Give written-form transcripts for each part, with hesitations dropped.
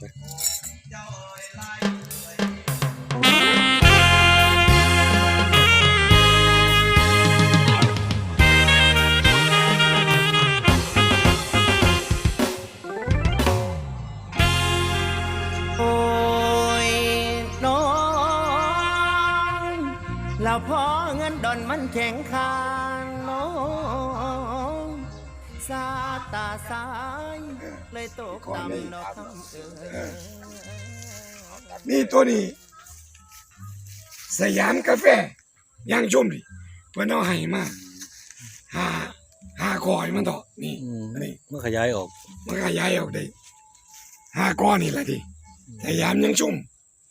แล้วพอเงินดอนมันแข็งคานน้องสาตาสายเลยตกต่ำดอกคำนี่ตัวนี้สยามกาแฟย่างชุ่มดิเพื่อนเอาให้มาหาคอยมันต่อนี่นี่เมื่อขยายออกมันขยายออกได้5 ก้อนนี่แหละดิสยามยังชุ่ม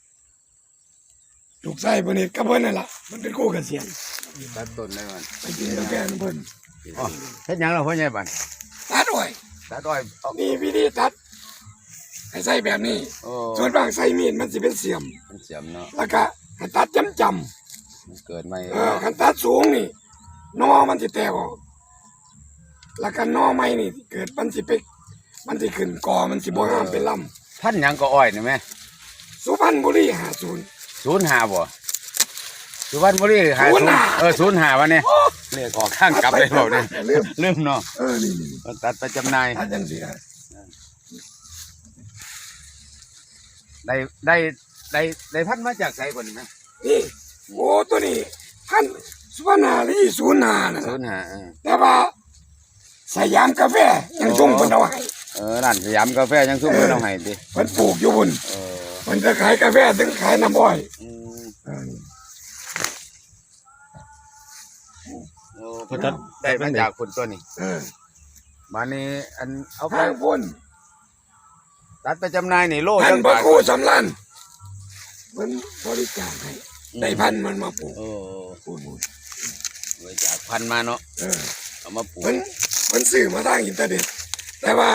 ลูกไส้เพิ่นนี่กับเพิ่นนั่นล่ะมันเป็นคู่กันเสียงตัดต้นได้มันไปกินกาแฟของเพิ่นอ๋อเฮ็ดหยังล่ะพ่อใหญ่บ้านตัดอ้อยนี่วิธีตัดให้ใส่แบบนี้ส่วนบางใส่มีดมันสิเป็นเสียมเนาะแล้วก็ให้ตัดจำมันเกิดใหม่คันตัดสูงนี่นอมันสิแตกออกแล้วก็นอใหม่นี่เกิดมันสิขึ้นกอมันสิบ่งามเป็นลำพันหยังก็อ้อยนี่แม่สุพรรณบุรี50 05บ่สุพรรณบุรี50 05วันนี้เลขออกข้างกลับเลยบ่เนี่ยลืมเนาะนี่ตัดไปจำหน่ายตัดจังซี่ได้พันมาจากไสบ่นี่แม่นี่โอ้ตัวนี้พันสุพรรณบุรี05น่ะ 05 แต่ว่าสยามกาแฟยังชุ่มเพิ่นเอาให้ร้านสยามกาแฟยังชุ่มเพิ่นเอาให้ติเพิ่นปลูกอยู่พุ่นเพิ่นจะขายกาแฟถึงขายน้ำอ้อยเพิ่นได้มาจากคนตัวนี้มานี่อันเอาไปพุ่นตัดไปจำหน่ายนี่โลจังบาทคู่สำลันเพิ่นบริจาคให้ได้พันมันมาปลูกพุ่นบริจาคพันมาเนาะเอามาปลูกเพิ่นซื้อมาทางอินเทอร์เน็ตแต่ว่า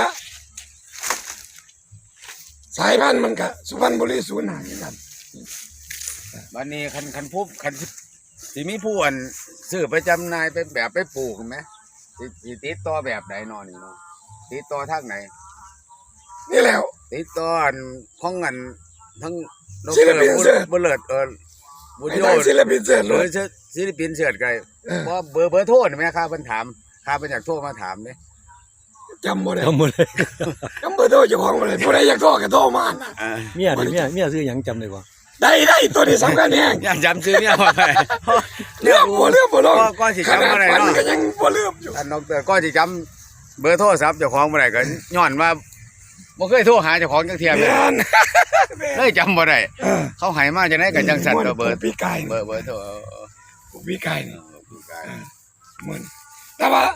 สายพันธุ์มันก็สุพรรณบุรี05เหมือนกันบัดนี้คันสิมีผู้อันซื้อไปจำหน่ายไปแบบไปปลูกมั้ยสิติดต่อแบบใดเนาะนี่เนาะติดต่อทางไหนนี่แล้วติดต่ออันของอันทั้งศิลปินเสิร์ชบ่เลิศบุญโยศิลปินเสิร์ชเลยศิลปินเสิร์ชก็บ่เบอร์โทรนี่แม่ครับเพิ่นถามข้าเพิ่นอยากโทรมาถามเด้จำบ่ได้จำเบอร์โทรเจ้าของบ่ได้ผู้ใดอยากโทรก็โทรมาเมียซื้อหยังจำได้บ่ได้ตัวนี้สำคัญแฮงอยากจำชื่อเมียบ่ได้เรื่องบ่ลงก็สิจำบ่ได้เนาะก็ยังบ่ลืมอยู่ท่านดอกเตอร์ก็สิจำเบอร์โทรศัพท์เจ้าของบ่ได้ก็ย้อนว่าบ่เคยโทรหาเจ้าของจักเที่ยเลยจำบ่ได้เขาให้มาจังได๋ก็จังสั่นเบอร์ปีกายเบอร์โทรปีกายนี่เหมือนแต่ว่า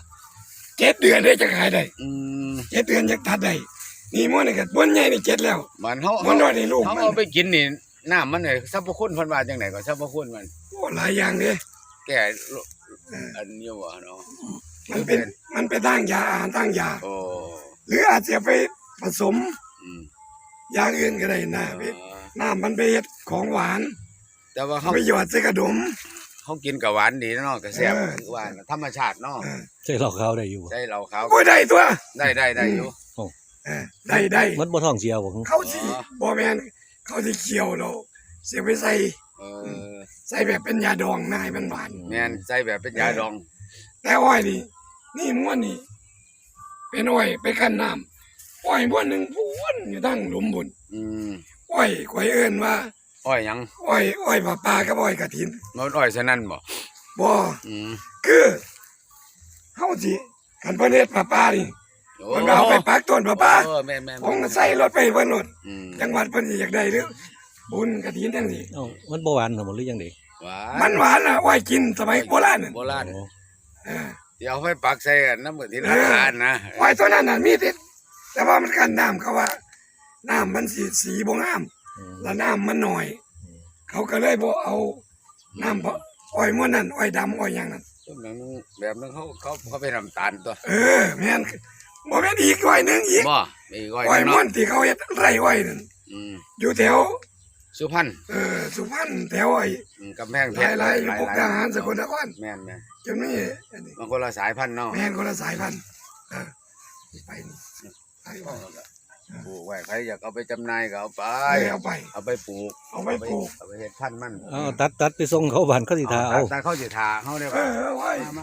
7 เดือนได้จะขายได้7 เดือนจะตัดได้นี่มื้อนี่ก็บ่ใหญ่นี่7แล้วมันเฮาน้อยนี่ลูกมันเอาไปกินนี่น้ำมันเนี่ยสรรพคุณเพิ่นว่าจังได๋ก็สรรพคุณมันโอ้หลายอย่างเด้แก้อันนี้ว่าเนาะมันเป็นตั้งยาอาหารตั้งยาหรืออาจจะไปผสมอย่างอื่นก็ได้นะน้ำมันไปเฮ็ดของหวานแต่ว่าเฮาไปหยอดใส่กระดมเฮากินก็หวานดีเนาะก็แซ่บหวานธรรมชาติเนาะใช่เหล้าขาวได้อยู่ใช่เหล้าขาวโอ้ได้ตัวได้อยู่ได้มันบ่ท้องเสียบ่เขาสิบ่แม่นเขาสิเคี่ยวแล้วเสียไปใส่แบบเป็นยาดองนายมันหวานแม่นใส่แบบเป็นยาดองแต่อ้อยนี่ม้วนนี่เป็นอ้อยไปคั่นน้ำอ้อยม้วนนึงพูนอยู่ตั้งหลุมบุญอ้อยข่อยเอิ้นว่าอ้อยหยังอ้อยปลากับอ้อยกฐินมันอ้อยซะนั่นบ่คือเฮาสิคันเพิ่นเฮ็ดปลานี่มันเอาไปปักต้นปลาผมใส่รถไปเพิ่นรถจังหวัดเพิ่นอยากได้หรือบุญกฐินจังซี่มันบ่หวานหรือจังได๋มันหวานน่ะอ้อยกินสมัยโบราณเดี๋ยวไปปักใส่น้ำมือที่ร้านนะอ้อยตัวนั้นน่ะมีติดแต่ว่ามันกันน้ำเขาว่าน้ำมันสีบ่งามแล้วน้ำมันน้อยเขาก็เลยบ่เอาน้ำอ้อยม้วนนั่นอ้อยดำอ้อยหยังนั่นแบบนึงเขาไปน้ำตาลตัวแม่นบ่แม่นอีกอ้อยนึงอีกอ้อยม้วนที่เขาเฮ็ดไร่อ้อยนั่นอยู่แถวสุพรรณสุพรรณแถวไอ้กำแพงเพชรหลายๆพวกทหารสกลนครแม่นจนมีมันคนละสายพันธุ์เนาะแม่นคนละสายพันธุ์ไปนี่ปลูกไว้ใครอยากเอาไปจำหน่ายก็เอาไปเอาไปเอาไปปลูกเอาไปปลูกเอาไปเฮ็ดพันธุ์มันเอาตัดไปส่งเขาบ้านเขาสิทาเอาแต่เขาสิทาเขาได้เอป่ะอไว้มา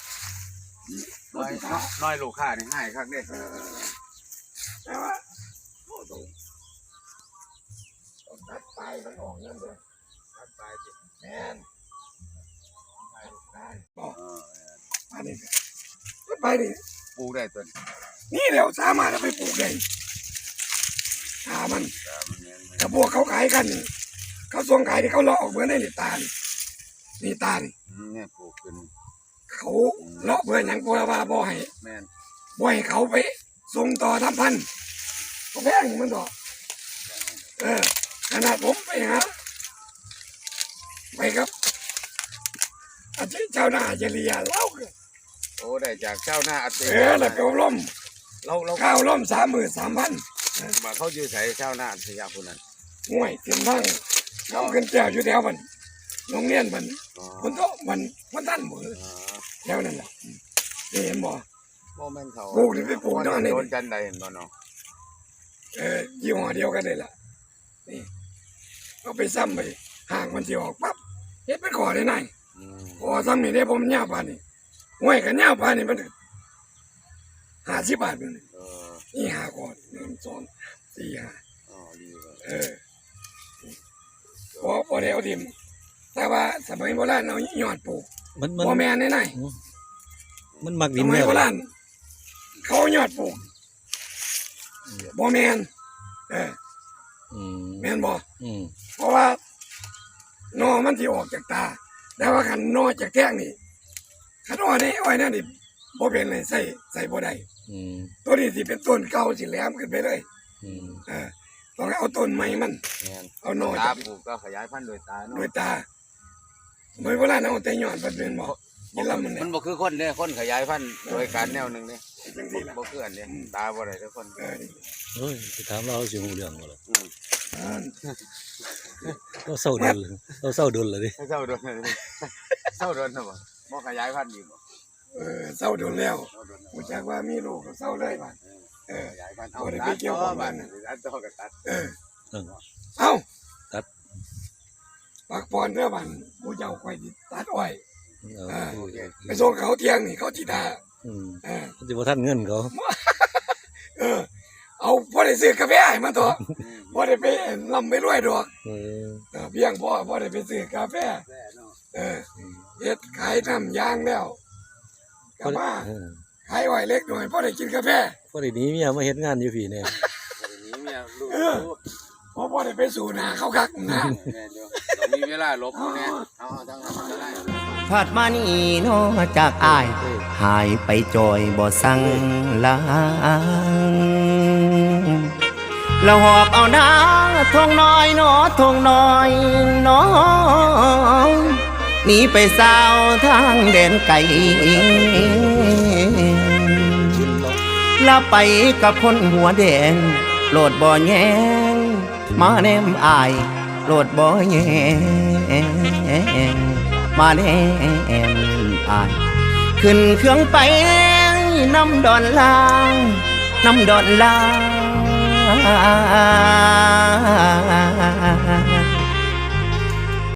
น้อยลูกค้านี่ให้คักเด้แต่ว่าโอ้ตรงตัดไปมันออกนั่นเลยตัดไปสิแม่นบอกอันนี้ตัดไปนี่ปลูกได้ต้นนี่เดี๋ยวสามารถเอาไปปลูกได้ถ้ามันกับพวกเขาขายกันนี่เขาส่งขายที่เขาเลาะออกเบอร์ในนี่ตานี่ตานี่เนี่ยปลูกขึ้นเขาเลาะเบอร์อย่างพวกว่าบ่ให้แม่นบ่ให้เขาไปส่งต่อทำพันธุ์ก็แพงมันต่อขนาดผมไปหาไปครับอาชีพชาวนาจะเรียเล่าคือโอ้ได้จากเจ้าหน้าอัตแล้วก็ล้มเราข้าวล้ม33,000 มาเขาอยู่ใส่เจ้าหน้าอัตยาคนนั้นห่วยเต็มทั้งน้ำขึ้นแก้วอยู่แถวมันโรงเรียนมันคนโตมันท่านมือแถวนั่นแหละเห็นบ่โมเมนต์เขาปลูกนี่ไปปลูกนอนนี่โดนจันใดเห็นบ่เนาะยี่ห้อเดียวกันเลยล่ะนี่เอาไปซ้ำไปห่างมันสิออกปั๊บเฮ็ดเป็นขอได้ไหนขอซ้ำนี่ได้ผมยาวปานนี่ห่วยกันยาวปานนี่มัน50 บาทนึง นี่หาก่อน1 2 4 5 อ๋อดีเลยพอได้เอาดิมแต่ว่าสมัยโบราณเอายอดปลูกมันบ่แม่นไหนมันมักสดินมัแนยว โบใดราณเขายอดปลูกบ่แม่นแม่นบ่อืมเพราะว่าหนอมันสิออกจากตา แต่ว่าคันหนอจากแก้งนี่คันอ้อยนี่นั่นนี่บ่เป็นเลยใส่บ่ได้อืมตัวนี้สิเป็นต้นเก่าสิแหลมขึ้นไปเลยอืมต้องเอาต้นใหม่มันแม่นเอาหนอตาจากปลูกก็ขยายพันธุ์โดยตาเนาะโดยตาสมัยโบราณเอาแต่ยอดมันเป็นบ่ยินลำมันเนี่ยมันบ่คือคนเด้คนขยายพันธุ์โดยการแนวหนึงเด้จังซี่ล่ะบ่คืออันเด้ตาบ่ได้ทุกคนนี่เฮ้ยไปถามเราสิฮู้เรื่องบ่ล่ะอ่าเราเศร้าดุลเราเศร้าดุลเลยดิเศร้าโดนเลยเศร้าโดนนะบ่ขยายพันธุ์อีกบ่เศร้าโดนแล้วเศร้าโดนกูจักว่ามีลูกก็เศร้าเลยบัดขยายพันธุ์เอาบ่ได้ไปเกี่ยวกับมันตัดต่อกับตัดเออเอ้าตัดปักปอนเด้อบัดกูเจ้าค่อยสิตัดอ้อยเอาไปส่งเขาเที่ยงนี่เขาสิด่าอืมเออสิบ่ทันเงินเขาเอาบ่ได้ซื้อกาแฟให้มันตัวบ่ได้ไปร่ำไปรวยดอกเออเพียงพอบ่ได้ไปซื้อกาแฟเฮ็ดขายน้ำยางแล้วก็มาเออขายอ้อยเล็กหน่อยบ่ได้กินกาแฟพอได้หนีเมียมาเฮ็ดงานอยู่พี่เนี่ยนี้เมียลูกเพราะบ่ได้ไปสู่หน้าเขาคักนะแม่นอยู่ต้องมีเวลาลบแน่เอาทั้งนั้นก็ได้ผาดมานี่นอจากอาย หายไปจอยบ่สั่งลางเราหอบเอาน้าทงน้อยหนอทงน้อยหน้องหนีไปสาวทางแดนไกลลาไปกับคนหัวแดงโลดบ่แยงมาแนมอายโลดบ่แยงมาแนมอายขึ้นเครื่องไปน้ำดอนลางน้ำดอนลาง